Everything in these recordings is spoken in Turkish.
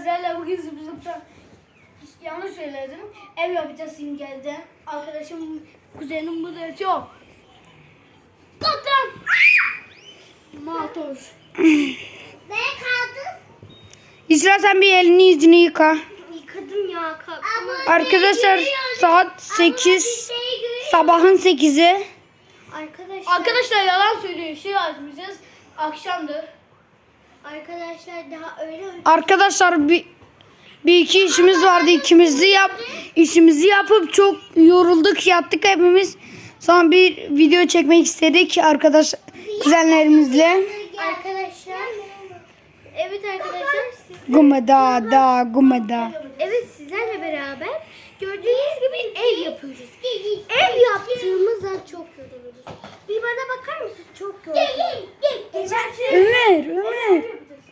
sizlerle bugün zıplıkta yanlış söyledim. Ev yapacağız Simgel'den. Arkadaşım, kuzenim bu da çok. Kaptan! Matoş. Ne kaldı? İsra sen bir elini yüzünü yıka. Yıkadım ya. Arkadaşlar saat 8. Sabahın 8'i. Arkadaşlar yalan söylüyor. Şey açmayacağız. Akşamdır. Arkadaşlar daha öyle Arkadaşlar bir iki işimiz vardı. İşimizi yapıp çok yorulduk, yattık hepimiz. Sonra bir video çekmek istedik kuzenlerimizle. arkadaşlar. Evet arkadaşlar Gumeda. evet sizlerle beraber gördüğünüz gibi ev yapıyoruz. Ev yaptığımızda çok yoruluruz. Bir bana bakar mısın? Çok yoruluruz. Ömer.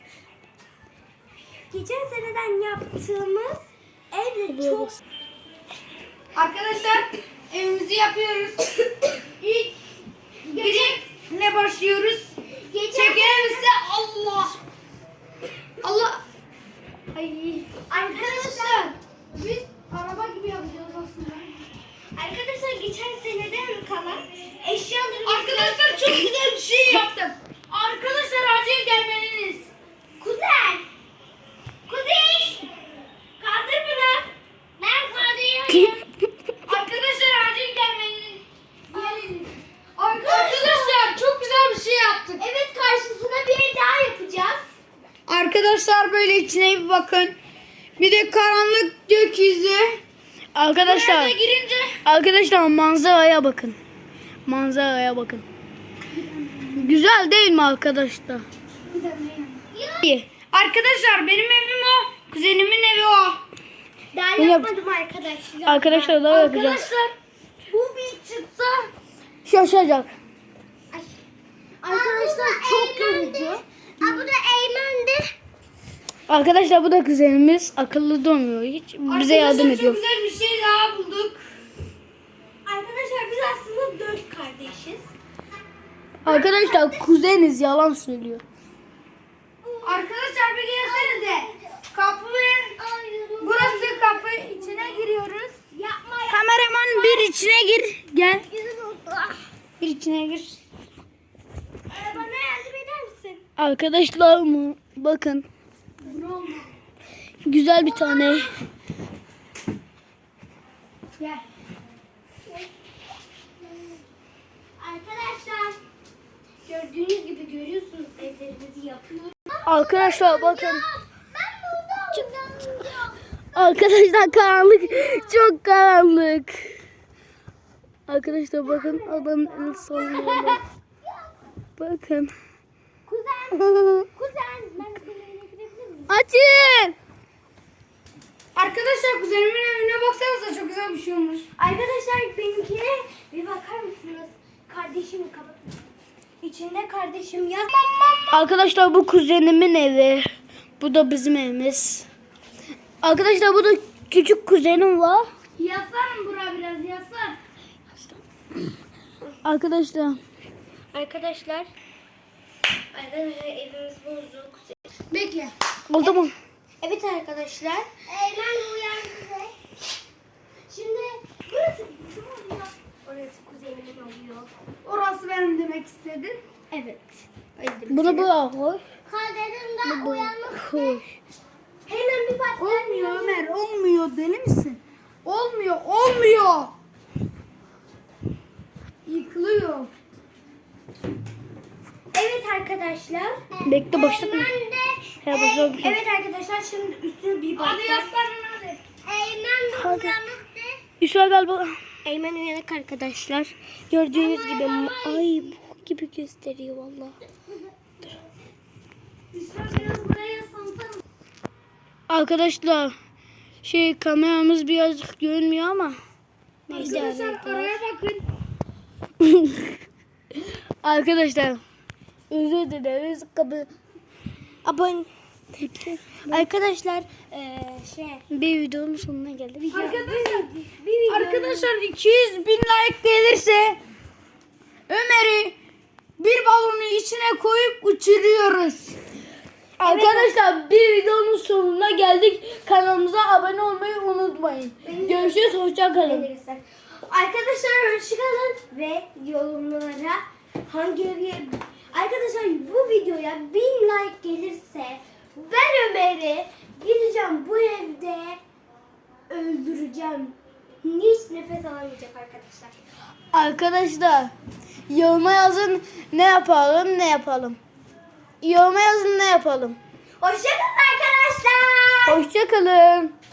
Geçen seneden yaptığımız evde çok Arkadaşlar evimizi yapıyoruz. İlk ne başlıyoruz? Çekelimizde Allah. Ay. arkadaşlar Biz araba gibi yapacağız aslında. arkadaşlar geçen seneden kalan eşyaları Arkadaşlar çok güzel bir şey yaptım. Arkadaşlar acil gelmeniz. Kuzen! Kuzey! Kaldır bunu! Ben kaldırıyorum. Arkadaşlar acil gelmeniz. Arkadaşlar çok güzel bir şey yaptık. Evet karşısına bir daha yapacağız. Arkadaşlar böyle içine bir bakın. Bir de karanlık gökyüzü. Arkadaşlar manzaraya bakın. Güzel değil mi arkadaşlar? İyi. Arkadaşlar benim evim o. Kuzenimin evi o. Daha Yine- yapmadım arkadaşlar. Arkadaşlar daha yapacağız. Arkadaşlar bu bir çıksa Şaşacak. Arkadaşlar çok yorucu. Bu da Eymen'di. Arkadaşlar bu da kuzenimiz. Akıllı durmuyor hiç. Bize yardım ediyor. Çok güzel bir şey daha bulduk. Arkadaşlar biz aslında 4 kardeşiz. Arkadaşlar kuzeniz yalan söylüyor. Arkadaşlar bir gelsenize. Burası kapı içine giriyoruz. Yapma Kameraman bir içine gir. Gel. Bir içine gir. Bana yardım eder misin? Arkadaşlar mı? Bakın. Güzel bir tane. Gel. Arkadaşlar gördüğünüz gibi görüyorsunuz evlerimizi yapıyoruz. Arkadaşlar bakın. Ben burada oynamıyorum. Arkadaşlar karanlık. Çok karanlık. Arkadaşlar bakın adamın el sallıyor. Bakın. Kuzen ben senin evine girebilir miyim? Açın. Arkadaşlar kuzenimin evine baksanıza çok güzel bir şey olmuş. Arkadaşlar benimkine bir bakar mısınız? Kardeşim kapatın. İçinde kardeşim ya. Arkadaşlar bu kuzenimin evi. Bu da bizim evimiz. Arkadaşlar bu da küçük kuzenim var. Yaslan bura biraz yaslan. Arkadaşlar. Arkadaşlar evimiz bozuk. Bekle. Oldu mu? Evet arkadaşlar. Eymen uyandı. Şimdi burası bizim oluyor. Orası kuzenimin oluyor. Orası benim demek istedin. Evet. Bunu buraya koy. Kaderimden uyanmak. Koy. Hemen bir bak. Olmuyor Ömer, olmuyor. Deli misin? Olmuyor. Yıkılıyor. Evet arkadaşlar. Bekle başlatma. Eymen de. He, başlatma. Evet arkadaşlar şimdi üstüne bir bak. Hadi yaslanın hadi. Eymen de Hadi. uyanıktı. İsra galiba. Eymen uyanık arkadaşlar. Gördüğünüz gibi ay bu gibi gösteriyor valla. Biraz buraya yaslansana. Arkadaşlar kameramız birazcık görünmüyor ama. Neyse. Arkadaşlar paraya bakın. Arkadaşlar özür dileriz. Abone. Arkadaşlar Bir videonun sonuna geldik. Arkadaşlar 200 bin like gelirse Ömer'i bir balonu içine koyup uçuruyoruz. Arkadaşlar bir videonun sonuna geldik. Kanalımıza abone olmayı unutmayın. Görüşürüz. Hoşça kalın. Arkadaşlar hoşçakalın ve yorumlara hangi evi... Arkadaşlar bu videoya 1000 like gelirse ben Ömer'i gideceğim bu evde öldüreceğim. Hiç nefes alamayacak arkadaşlar. Arkadaşlar yoruma yazın ne yapalım. Yoruma yazın ne yapalım. Hoşçakalın arkadaşlar. Hoşça kalın.